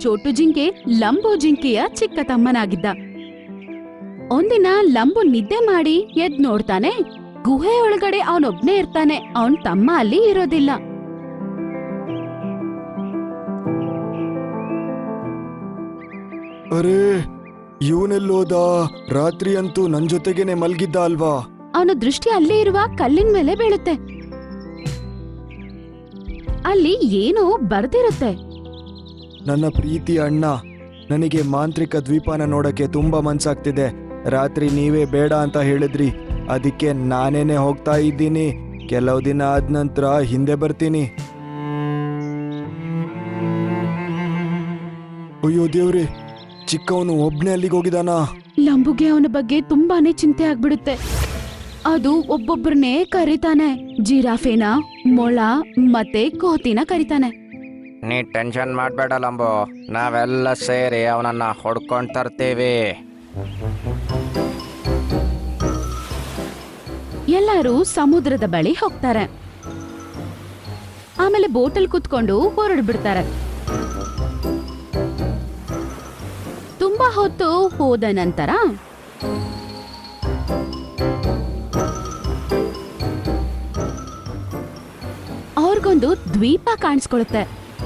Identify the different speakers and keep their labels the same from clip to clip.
Speaker 1: ಚೋಟು ಜಿಂಕೆ ಲಂಬು ಜಿಂಕೆಯ ಚಿಕ್ಕ ತಮ್ಮನಾಗಿದ್ದ. ಒಂದಿನ ಲಂಬು ನಿದ್ದೆ ಮಾಡಿ ಎದ್ ನೋಡ್ತಾನೆ, ಗುಹೆ ಒಳಗಡೆ ಅವನೊಬ್ನೇ ಇರ್ತಾನೆ. ಅವನ್ ತಮ್ಮ ಅಲ್ಲಿ ಇರೋದಿಲ್ಲ.
Speaker 2: ಅರೇ, ಇವನೆಲ್ಲೋದ? ರಾತ್ರಿ ಅಂತೂ ನನ್ ಜೊತೆಗೇನೆ ಮಲ್ಗಿದ್ದ ಅಲ್ವಾ?
Speaker 1: ಅವನ ದೃಷ್ಟಿ ಅಲ್ಲೇ ಇರುವ ಕಲ್ಲಿನ ಮೇಲೆ ಬೀಳುತ್ತೆ. ಅಲ್ಲಿ ಏನೋ ಬರ್ದಿರುತ್ತೆ.
Speaker 2: ನನ್ನ ಪ್ರೀತಿ ಅಣ್ಣ, ನನಗೆ ಮಾಂತ್ರಿಕ ದ್ವೀಪನ ನೋಡಕ್ಕೆ ತುಂಬಾ ಮನ್ಸಾಗ್ತಿದೆ. ರಾತ್ರಿ ನೀವೇ ಬೇಡ ಅಂತ ಹೇಳಿದ್ರಿ, ಅದಕ್ಕೆ ನಾನೇನೆ ಹೋಗ್ತಾ ಇದ್ದೀನಿ. ಕೆಲವು ದಿನ ಆದ ನಂತರ ಹಿಂದೆ ಬರ್ತೀನಿ. ಅಯ್ಯೋ ದೇವ್ರಿ, ಚಿಕ್ಕವನು ಒಬ್ನೇ ಅಲ್ಲಿಗೆ ಹೋಗಿದಾನ.
Speaker 1: ಲಂಬುಗೆ ಅವನ ಬಗ್ಗೆ ತುಂಬಾನೇ ಚಿಂತೆ ಆಗ್ಬಿಡುತ್ತೆ. ಅದು ಒಬ್ಬೊಬ್ಬರನ್ನೇ ಕರೀತಾನೆ. ಜಿರಾಫೆನ, ಮೊಳ ಮತ್ತೆ ಕೋತಿನ ಕರೀತಾನೆ.
Speaker 3: ನೀ ಟೆನ್ಷನ್ ಮಾಡಬೇಡ ಲಂಬು, ನಾವೆಲ್ಲ ಸೇರಿ ಅವನನ್ನ ಹೊಡ್ಕೊಂಡ್ ತರ್ತೀವಿ.
Speaker 1: ಎಲ್ಲರೂ ಸಮುದ್ರದ ಬಳಿ ಹೋಗ್ತಾರೆ. ಆಮೇಲೆ ಬೋಟಲ್ ಕುತ್ಕೊಂಡು ಹೊರಡ್ಬಿಡ್ತಾರೆ. ತುಂಬಾ ಹೊತ್ತು ಹೋದ ನಂತರ ಅವ್ರಿಗೊಂದು ದ್ವೀಪ ಕಾಣಿಸ್ಕೊಳುತ್ತೆ.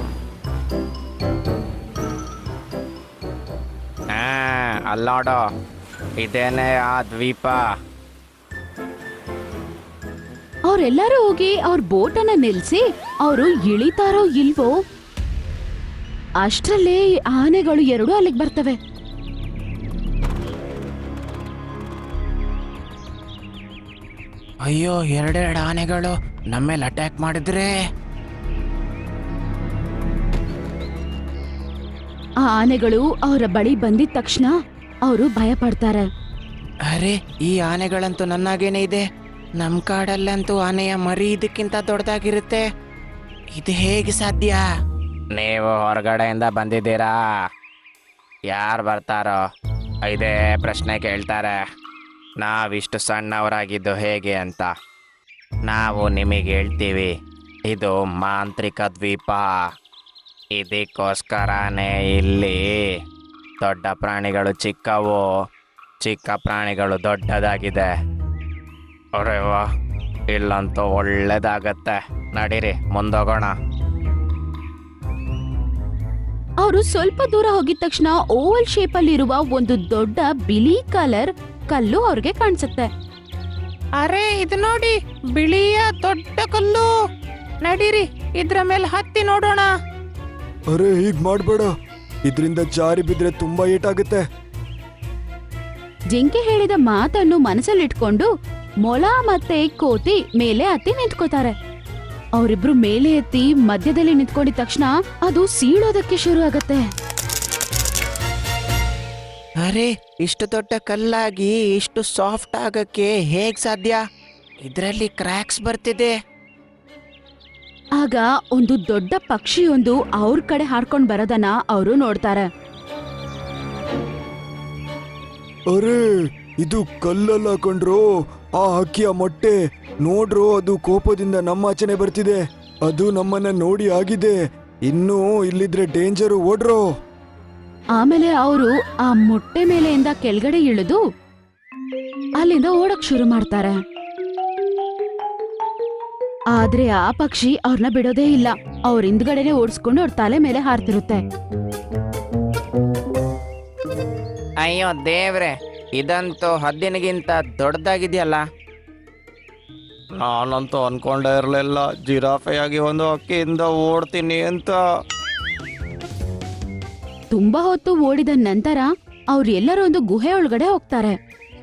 Speaker 3: ಅಲ್ಲೋಡು, ಇದೇನೆ ಆ ದ್ವೀಪ.
Speaker 1: ಅವ್ರೆಲ್ಲರೂ ಹೋಗಿ ಅವ್ರ ಬೋಟನ್ನ ನಿಲ್ಸಿ ಅವರು ಇಳಿತಾರೋ ಇಲ್ವೋ ಅಷ್ಟ್ರಲ್ಲೇ ಆನೆಗಳು ಎರಡು ಅಲ್ಲಿಗೆ ಬರ್ತವೆ.
Speaker 3: ಅಯ್ಯೋ, ಎರಡೆರಡು ಆನೆಗಳು ನಮ್ಮೇಲೆ ಅಟ್ಯಾಕ್ ಮಾಡಿದ್ರೆ?
Speaker 1: ಆ ಆನೆಗಳು ಅವರ ಬಳಿ ಬಂದಿದ ತಕ್ಷಣ ಅವರು ಭಯ ಪಡ್ತಾರೆ.
Speaker 3: ಅರೆ, ಈ ಆನೆಗಳಂತೂ ನನ್ನಾಗೇನೆ ಇದೆ. ನಮ್ ಕಾಡಲ್ಲಂತೂ ಆನೆಯ ಮರಿ ಇದಕ್ಕಿಂತ ದೊಡ್ಡದಾಗಿರುತ್ತೆ. ಇದು ಹೇಗೆ ಸಾಧ್ಯ? ನೀವು ಹೊರಗಡೆಯಿಂದ ಬಂದಿದ್ದೀರಾ, ಯಾರು ಬರ್ತಾರೋ ಇದೇ ಪ್ರಶ್ನೆ ಕೇಳ್ತಾರೆ. ನಾವಿಷ್ಟು ಸಣ್ಣವರಾಗಿದ್ದು ಹೇಗೆ ಅಂತ. ನಾವು ನಿಮಗೆ ಹೇಳ್ತೀವಿ, ಇದು ಮಾಂತ್ರಿಕ ದ್ವೀಪ. ಇದಕ್ಕೋಸ್ಕರನೇ ಇಲ್ಲಿ ದೊಡ್ಡ ಪ್ರಾಣಿಗಳು ಚಿಕ್ಕವು, ಚಿಕ್ಕ ಪ್ರಾಣಿಗಳು ದೊಡ್ಡದಾಗಿದೆ. ಅರೆ ವಾ, ಇಲ್ಲಂತೂ ಒಳ್ಳೇದಾಗತ್ತೆ. ನಡೀರಿ, ಮುಂದೋಗೋಣ.
Speaker 1: ಅವರು ಸ್ವಲ್ಪ ದೂರ ಹೋಗಿದ ತಕ್ಷಣ ಓವಲ್ ಶೇಪ್ ಅಲ್ಲಿ ಇರುವ ಒಂದು ದೊಡ್ಡ ಬಿಳಿ ಕಲರ್ ಕಲ್ಲು ಅವ್ರಿಗೆ ಕಾಣಿಸುತ್ತೆ.
Speaker 3: ಅರೆ, ಇದು ನೋಡಿ, ಬಿಳಿಯ ದೊಡ್ಡ ಕಲ್ಲು. ನಡೀರಿ, ಇದ್ರ ಮೇಲೆ ಹತ್ತಿ ನೋಡೋಣ.
Speaker 2: ಅರೆ, ಹೀಗ್ ಮಾಡ್ಬೇಡ, ಇದ್ರಿಂದ ಜಾರಿ ಬಿದ್ರೆ ತುಂಬಾ ಏಟಾಗುತ್ತೆ.
Speaker 1: ಜಿಂಕೆ ಹೇಳಿದ ಮಾತನ್ನು ಮನಸ್ಸಲ್ಲಿಟ್ಕೊಂಡು ಮೊಲ ಮತ್ತೆ ಕೋತಿ ಮೇಲೆ ಹತ್ತಿ ನಿಂತ್ಕೋತಾರೆ. ಅವರಿಬ್ರು ಮೇಲೆ ಎತ್ತಿ ಮಧ್ಯದಲ್ಲಿ ನಿಂತ್ಕೊಂಡಿದ ತಕ್ಷಣ ಅದು ಸೀಳೋದಕ್ಕೆ ಶುರು ಆಗತ್ತೆ.
Speaker 3: ಅರೆ, ಇಷ್ಟು ದೊಡ್ಡ ಕಲ್ಲಾಗಿ ಇಷ್ಟು ಸಾಫ್ಟ್ ಆಗಕ್ಕೆ ಹೇಗ್ ಸಾಧ್ಯ? ಇದರಲ್ಲಿ ಕ್ರ್ಯಾಕ್ಸ್ ಬರ್ತಿದೆ.
Speaker 1: ಆಗ ಒಂದು ದೊಡ್ಡ ಪಕ್ಷಿಯೊಂದು ಅವ್ರ ಕಡೆ ಹಾರ್ಕೊಂಡ್ ಬರೋದನ್ನ ಅವರು ನೋಡ್ತಾರೆ.
Speaker 2: ಅರೆ, ಇದು ಕಲ್ಲಲ್ಲ ಕಣ್ರೋ, ಆ ಹಕ್ಕಿಯ ಮೊಟ್ಟೆ ನೋಡ್ರೋ. ಅದು ಕೋಪದಿಂದ ನಮ್ಮಾಚೆನೆ ಬರ್ತಿದೆ. ಅದು ನಮ್ಮನ್ನ ನೋಡಿ ಆಗಿದೆ. ಇನ್ನೂ ಇಲ್ಲಿದ್ರೆ ಡೇಂಜರು, ಓಡ್ರೋ.
Speaker 1: ಆಮೇಲೆ ಅವರು ಆ ಮೊಟ್ಟೆ ಮೇಲೆಯಿಂದ ಕೆಳಗಡೆ ಇಳಿದು ಅಲ್ಲಿಂದ ಓಡಕ್ ಶುರು ಮಾಡ್ತಾರೆ. ಆದ್ರೆ ಆ ಪಕ್ಷಿ ಅವ್ರನ್ನ ಬಿಡೋದೇ ಇಲ್ಲ. ಅವ್ರ ಹಿಂದ್ಗಡೆನೆ ಓಡಿಸ್ಕೊಂಡು ಅವ್ರ ತಲೆ ಮೇಲೆ ಹಾರ್ತಿರುತ್ತೆ.
Speaker 3: ಅಯ್ಯೋ ದೇವ್ರೆ, ಇದಂತೂ ಹದ್ದಿನಗಿಂತ ದೊಡ್ಡದಾಗಿದೆಯಲ್ಲ. ನಾನಂತೂ ಅನ್ಕೊಂಡೇ ಇರಲಿಲ್ಲ ಜಿರಾಫೆಯಾಗಿ ಒಂದು ಹಕ್ಕಿಯಿಂದ ಓಡ್ತೀನಿ ಅಂತ.
Speaker 1: ತುಂಬಾ ಹೊತ್ತು ಓಡಿದ ನಂತರ ಅವ್ರೆಲ್ಲರೂ ಒಂದು ಗುಹೆ ಒಳಗಡೆ ಹೋಗ್ತಾರೆ.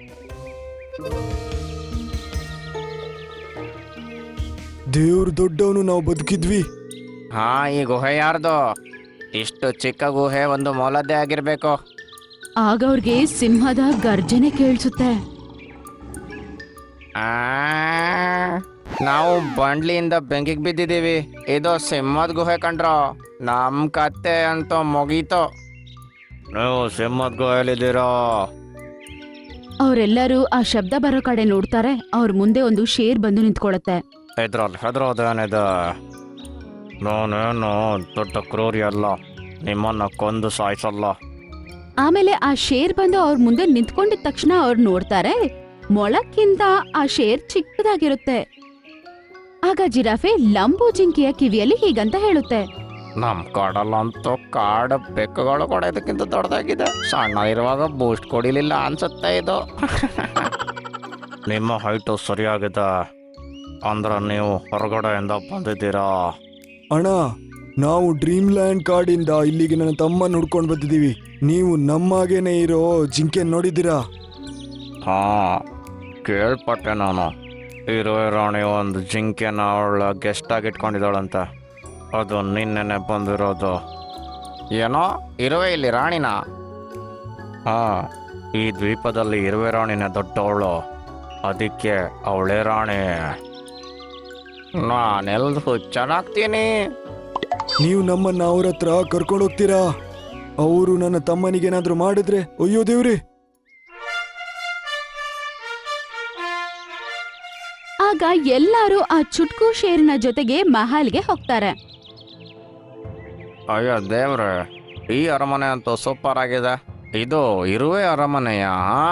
Speaker 2: ದೇವ್ರು ದೊಡ್ಡವನು, ನಾವು ಬದುಕಿದ್ವಿ.
Speaker 3: ಹಾ, ಈ ಗುಹೆ ಯಾರ್ದು? ಇಷ್ಟು ಚಿಕ್ಕ ಗುಹೆ ಒಂದು ಮೊಲದ್ದೇ ಆಗಿರ್ಬೇಕು.
Speaker 1: ಆಗ ಅವ್ರಿಗೆ ಸಿಂಹದ ಗರ್ಜನೆ ಕೇಳಿಸುತ್ತೆ.
Speaker 3: ನಾವು ಬಂಡ್ಲಿಯಿಂದ ಬೆಂಕಿಗೆ ಬಿದ್ದಿದ್ದೀವಿ. ಇದು ಸಿಂಹದ ಗುಹೆ ಕಂಡ್ರೋ. ನಮ್ ಕತ್ತೆ ಅಂತೂ ಮುಗೀತು. ನೀವು ಸಿಂಹದ ಗುಹೆಯಲ್ಲಿದ್ದೀರೋ?
Speaker 1: ಅವರೆಲ್ಲರೂ ಆ ಶಬ್ದ ಬರೋ ಕಡೆ ನೋಡ್ತಾರೆ. ಅವ್ರ ಮುಂದೆ ಒಂದು ಶೇರ್ ಬಂದು ನಿಂತ್ಕೊಳ್ಳುತ್ತೆ.
Speaker 3: ಇದ್ರಲ್ಲಿ ಹೆದರೋದೇನಿದೆ? ನಾನೇನು ದೊಡ್ಡ ಕ್ರೂರಿ ಅಲ್ಲ. ನಿಮ್ಮನ್ನ ಕೊಂದು ಸಾಯಿಸಲ್ಲ.
Speaker 1: ಆಮೇಲೆ ಆ ಶೇರ್ ಬಂದು ಅವ್ರ ಮುಂದೆ ನಿಂತ್ಕೊಂಡಿದ ತಕ್ಷಣ ಅವ್ರು ನೋಡ್ತಾರೆ, ಮೊಳಕ್ಕಿಂತ ಆ ಶೇರ್ ಚಿಕ್ಕದಾಗಿರುತ್ತೆ. ಆಗ ಜಿರಾಫೆ ಲಂಬು ಜಿಂಕೆಯ ಕಿವಿಯಲ್ಲಿ ಹೀಗಂತ ಹೇಳುತ್ತೆ,
Speaker 3: ನಮ್ ಕಾಡಲ್ಲಂತೂ ಕಾಡು ಬೆಕ್ಕುಗಳು ಕೂಡ ಇದಕ್ಕಿಂತ ದೊಡ್ಡದಾಗಿದೆ. ಸಣ್ಣ ಇರುವಾಗ ಬೂಸ್ಟ್ ಕೊಡಿಲಿಲ್ಲ ಅನ್ಸುತ್ತೆ ಇದು. ನಿಮ್ಮ ಹೈಟು ಸರಿಯಾಗಿದೆ ಅಂದ್ರೆ ನೀವು ಹೊರಗಡೆಯಿಂದ ಬಂದಿದ್ದೀರಾ.
Speaker 2: ಅಣ್ಣ, ನಾವು ಡ್ರೀಮ್ ಲ್ಯಾಂಡ್ ಕಾಡಿಂದ ಇಲ್ಲಿಗೆ ನನ್ನ ತಮ್ಮ ಹುಡ್ಕೊಂಡು ಬಂದಿದ್ದೀವಿ. ನೀವು ನಮ್ಮಾಗೇನೆ ಇರೋ ಜಿಂಕೆ ನೋಡಿದ್ದೀರಾ?
Speaker 3: ಹಾ, ಕೇಳ್ಪಟ್ಟೆ ನಾನು. ಇರುವೆ ರಾಣಿ ಒಂದು ಜಿಂಕೆನ ಅವಳ ಗೆಸ್ಟ್ ಆಗಿ ಇಟ್ಕೊಂಡಿದ್ದಾಳಂತೆ. ಅದು ನಿನ್ನೆನೆ ಬಂದಿರೋದು. ಏನೋ ಇರುವೆ ಇಲ್ಲಿ ರಾಣಿನ? ಹಾ, ಈ ದ್ವೀಪದಲ್ಲಿ ಇರುವೆ ರಾಣಿನೇ ದೊಡ್ಡವಳು, ಅದಕ್ಕೆ ಅವಳೇ ರಾಣಿ. ನಾನೆಲ್ದು ಹುಚ್ಚನಾಗ್ತೀನಿ.
Speaker 2: ನೀವು ನಮ್ಮನ್ನ ಅವ್ರ ಹತ್ರ ಕರ್ಕೊಂಡು ಹೋಗ್ತೀರಾ? ಅವರು ನನ್ನ ತಮ್ಮನಿಗೇನಾದ್ರೂ ಮಾಡಿದ್ರೆ ಅಯ್ಯೋ ದೇವ್ರಿ.
Speaker 1: ಆಗ ಎಲ್ಲರೂ ಆ ಚುಟ್ಕು ಶೇರಿನ ಜೊತೆಗೆ ಮಹಲ್ಗೆ ಹೋಗ್ತಾರೆ.
Speaker 3: ಅಯ್ಯೋ ದೇವ್ರೆ, ಈ ಅರಮನೆ ಅಂತೂ ಸೂಪರ್ ಆಗಿದೆ. ಇದು ಇರುವೆ ಅರಮನೆಯಾ?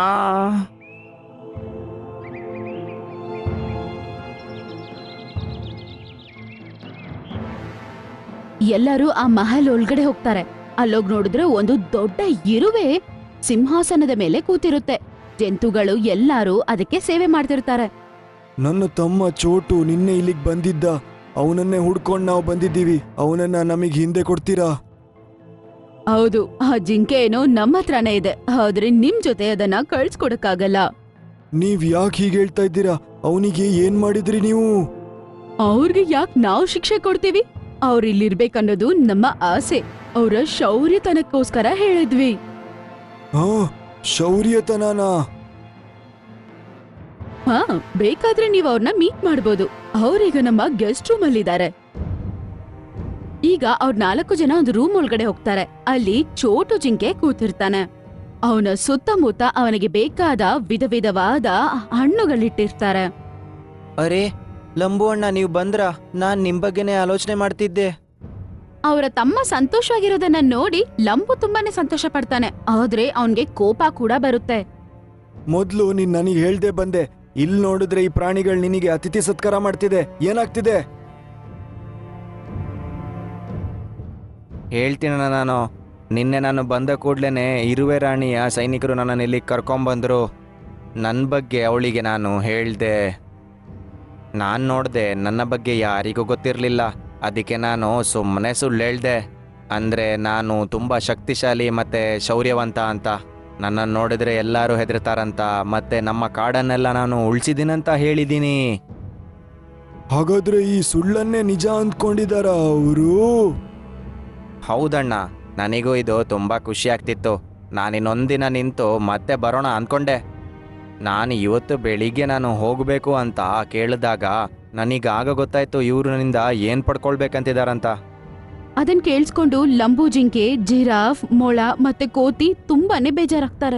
Speaker 1: ಎಲ್ಲರೂ ಆ ಮಹಲ್ ಒಳಗಡೆ ಹೋಗ್ತಾರೆ. ಅಲ್ಲೋಗ್ ನೋಡಿದ್ರೆ ಒಂದು ದೊಡ್ಡ ಇರುವೆ ಸಿಂಹಾಸನದ ಮೇಲೆ ಕೂತಿರುತ್ತೆ. ಜಂತುಗಳು ಎಲ್ಲರೂ ಅದಕ್ಕೆ ಸೇವೆ ಮಾಡ್ತಿರ್ತಾರೆ.
Speaker 2: ನನ್ನ ತಮ್ಮ ಚೋಟು ನಿನ್ನೆ ಇಲ್ಲಿಗೆ ಬಂದಿದ್ದ. ಅವನನ್ನೇ ಹುಡ್ಕೊಂಡು ನಾವು ಬಂದಿದ್ದೀವಿ. ಅವನನ್ನ ನಮಗೆ ಹಿಂದೆ ಕೊಡ್ತೀರಾ?
Speaker 1: ಹೌದು, ಆ ಜಿಂಕೆ ಏನೋ ನಮ್ಮ ಹತ್ರನೇ ಇದೆ, ಆದ್ರೆ ನಿಮ್ ಜೊತೆ ಅದನ್ನ ಕಳ್ಸ್ಕೊಡಕ್ಕಾಗಲ್ಲ.
Speaker 2: ನೀವ್ ಯಾಕೆ ಹೀಗೆ ಹೇಳ್ತಾ ಇದ್ದೀರಾ? ಅವನಿಗೆ ಏನ್ ಮಾಡಿದ್ರಿ ನೀವು?
Speaker 1: ಅವ್ರಿಗೆ ಯಾಕೆ ನಾವು ಶಿಕ್ಷೆ ಕೊಡ್ತೀವಿ? ಅವ್ರು ಇಲ್ಲಿರ್ಬೇಕನ್ನೋದು ನಮ್ಮ ಆಸೆ. ಅವರ ಶೌರ್ಯತನಕ್ಕೋಸ್ಕರ ಹೇಳಿದ್ವಿ.
Speaker 2: ಹಾ, ಶೌರ್ಯತನನಾ?
Speaker 1: ಹಾ, ಬೇಕಾದ್ರೆ ನೀವು ಅವ್ರನ್ನ ಮೀಟ್ ಮಾಡ್ಬೋದು. ಅವ್ರೀಗ ನಮ್ಮ ಗೆಸ್ಟ್ ರೂಮ್ ಅಲ್ಲಿದ್ದಾರೆ. ಈಗ ಅವ್ರ 4 ಜನ ಒಂದು ರೂಮ್ ಒಳಗಡೆ ಹೋಗ್ತಾರೆ. ಅಲ್ಲಿ ಚೋಟು ಜಿಂಕೆ ಕೂತಿರ್ತಾನೆ. ಅವನ ಸುತ್ತಮುತ್ತ ಅವನಿಗೆ ಬೇಕಾದ ವಿಧ ವಿಧವಾದ ಹಣ್ಣುಗಳಿಟ್ಟಿರ್ತಾರೆ.
Speaker 4: ಅರೆ ಲಂಬು ಅಣ್ಣ, ನೀವು ಬಂದ್ರ? ನಾನ್ ನಿಮ್ ಬಗ್ಗೆನೇ ಆಲೋಚನೆ ಮಾಡ್ತಿದ್ದೆ.
Speaker 1: ಅವರ ತಮ್ಮ ಸಂತೋಷವಾಗಿರೋದನ್ನ ನೋಡಿ ಲಂಬು ತುಂಬಾನೇ ಸಂತೋಷ ಪಡ್ತಾನೆ. ಆದ್ರೆ ಅವನ್ಗೆ ಕೋಪ ಕೂಡ ಬರುತ್ತೆ.
Speaker 2: ಮೊದ್ಲು ನೀನ್ ನನಗೆ ಹೇಳ್ದೆ ಬಂದೆ. ಇಲ್ಲಿ ನೋಡಿದ್ರೆ ಈ ಪ್ರಾಣಿಗಳು ನಿನಗೆ ಅತಿಥಿ ಸತ್ಕಾರ ಮಾಡ್ತಿದೆ. ಏನಾಗ್ತಿದೆ?
Speaker 4: ಹೇಳ್ತೀನಣ್ಣ, ನಿನ್ನೆ ನಾನು ಬಂದ ಕೂಡ್ಲೇನೆ ಇರುವೆ ರಾಣಿಯ ಸೈನಿಕರು ನನ್ನನ್ನು ಇಲ್ಲಿ ಕರ್ಕೊಂಬಂದ್ರು. ನನ್ನ ಬಗ್ಗೆ ಅವಳಿಗೆ ನಾನು ಹೇಳ್ದೆ. ನಾನು ನೋಡ್ದೆ, ನನ್ನ ಬಗ್ಗೆ ಯಾರಿಗೂ ಗೊತ್ತಿರಲಿಲ್ಲ. ಅದಕ್ಕೆ ನಾನು ಸುಮ್ಮನೆ ಸುಳ್ಳು ಹೇಳ್ದೆ. ಅಂದರೆ ನಾನು ತುಂಬ ಶಕ್ತಿಶಾಲಿ ಮತ್ತು ಶೌರ್ಯವಂತ ಅಂತ. ನನ್ನನ್ನು ನೋಡಿದ್ರೆ ಎಲ್ಲರೂ ಹೆದರ್ತಾರಂತ, ಮತ್ತೆ ನಮ್ಮ ಕಾಡನ್ನೆಲ್ಲ ನಾನು ಉಳಿಸಿದ್ದೀನಂತ ಹೇಳಿದ್ದೀನಿ.
Speaker 2: ಹಾಗಾದ್ರೆ ಈ ಸುಳ್ಳನ್ನೇ ನಿಜ ಅಂದ್ಕೊಂಡಿದಾರ ಅವರು?
Speaker 4: ಹೌದಣ್ಣ, ನನಗೂ ಇದು ತುಂಬ ಖುಷಿ ಆಗ್ತಿತ್ತು. ನಾನಿನ್ನೊಂದಿನ ನಿಂತು ಮತ್ತೆ ಬರೋಣ ಅಂದ್ಕೊಂಡೆ. ನಾನು ಇವತ್ತು ಬೆಳಿಗ್ಗೆ ನಾನು ಹೋಗಬೇಕು ಅಂತ ಕೇಳಿದಾಗ ನನಗಾಗ ಗೊತ್ತಾಯ್ತು ಇವರು ನನ್ನಿಂದ ಏನು ಪಡ್ಕೊಳ್ಬೇಕಂತಿದಾರಂತ.
Speaker 1: ಅದನ್ ಕೇಳಿಸ್ಕೊಂಡು ಲಂಬು ಜಿಂಕೆ, ಜಿರಾಫ್, ಮೊಳ ಮತ್ತೆ ಕೋತಿ ತುಂಬಾನೇ ಬೇಜಾರಾಗ್ತಾರೆ.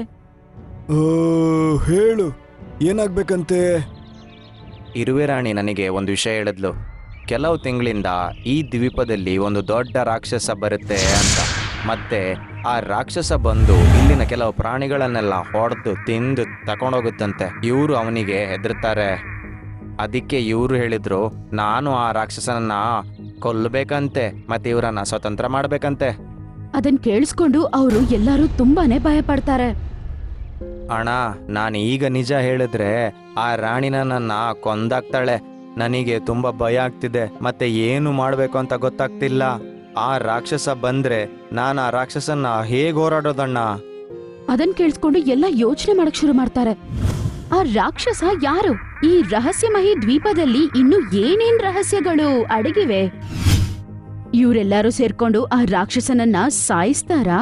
Speaker 2: ಹೇಳು, ಏನಾಗ್ಬೇಕಂತೆ?
Speaker 4: ಇರುವೆ ರಾಣಿ ನನಗೆ ಒಂದು ವಿಷಯ ಹೇಳಿದ್ಲು. ಕೆಲವು ತಿಂಗಳಿಂದ ಈ ದ್ವೀಪದಲ್ಲಿ ಒಂದು ದೊಡ್ಡ ರಾಕ್ಷಸ ಬರುತ್ತೆ ಅಂತ. ಮತ್ತೆ ಆ ರಾಕ್ಷಸ ಬಂದು ಇಲ್ಲಿನ ಕೆಲವು ಪ್ರಾಣಿಗಳನ್ನೆಲ್ಲ ಹೊಡೆದು ತಿಂದು ತಕೊಂಡೋಗುತ್ತಂತೆ. ಇವರು ಅವನಿಗೆ ಹೆದರ್ತಾರೆ. ಅದಕ್ಕೆ ಇವರು ಹೇಳಿದ್ರು, ನಾನು ಆ ರಾಕ್ಷಸನನ್ನ ಕೊಲ್ಲಬೇಕಂತೆ, ಮತ್ತೆ ಇವರನ್ನ ಸ್ವತಂತ್ರ ಮಾಡ್ಬೇಕಂತೆ.
Speaker 1: ಅದನ್ ಕೇಳಿಸ್ಕೊಂಡು ಅವರು ಎಲ್ಲರೂ ತುಂಬಾನೇ ಭಯ ಪಡ್ತಾರೆ.
Speaker 4: ಅಣ್ಣ, ನಾನು ಈಗ ನಿಜ ಹೇಳಿದ್ರೆ ಆ ರಾಣಿನ ನನ್ನ ಕೊಂದಾಕ್ತಾಳೆ. ನನಗೆ ತುಂಬ ಭಯ ಆಗ್ತಿದೆ, ಮತ್ತೆ ಏನು ಮಾಡಬೇಕು ಅಂತ ಗೊತ್ತಾಗ್ತಿಲ್ಲ. ಆ ರಾಕ್ಷಸ ಬಂದ್ರೆ ನಾನು ಆ ರಾಕ್ಷಸನ್ನ ಹೇಗೆ ಹೋರಾಡೋದಣ್ಣ?
Speaker 1: ಅದನ್ ಕೇಳಿಸ್ಕೊಂಡು ಎಲ್ಲ ಯೋಚನೆ ಮಾಡಕ್ ಶುರು ಮಾಡ್ತಾರೆ. ಆ ರಾಕ್ಷಸ ಯಾರು? ಈ ರಹಸ್ಯಮಯಿ ದ್ವೀಪದಲ್ಲಿ ಇನ್ನು ಏನೇನ್ ರಹಸ್ಯಗಳು ಅಡಗಿವೆ? ಇವರೆಲ್ಲರೂ ಸೇರ್ಕೊಂಡು ಆ ರಾಕ್ಷಸನನ್ನ ಸಾಯಿಸ್ತಾರಾ?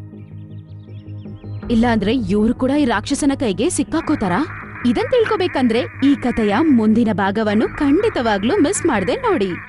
Speaker 1: ಇಲ್ಲಾಂದ್ರೆ ಇವ್ರು ಕೂಡ ಈ ರಾಕ್ಷಸನ ಕೈಗೆ ಸಿಕ್ಕಾಕೋತಾರಾ? ಇದನ್ ತಿಳ್ಕೊಬೇಕಂದ್ರೆ ಈ ಕಥೆಯ ಮುಂದಿನ ಭಾಗವನ್ನು ಖಂಡಿತವಾಗ್ಲೂ ಮಿಸ್ ಮಾಡ್ದೆ ನೋಡಿ.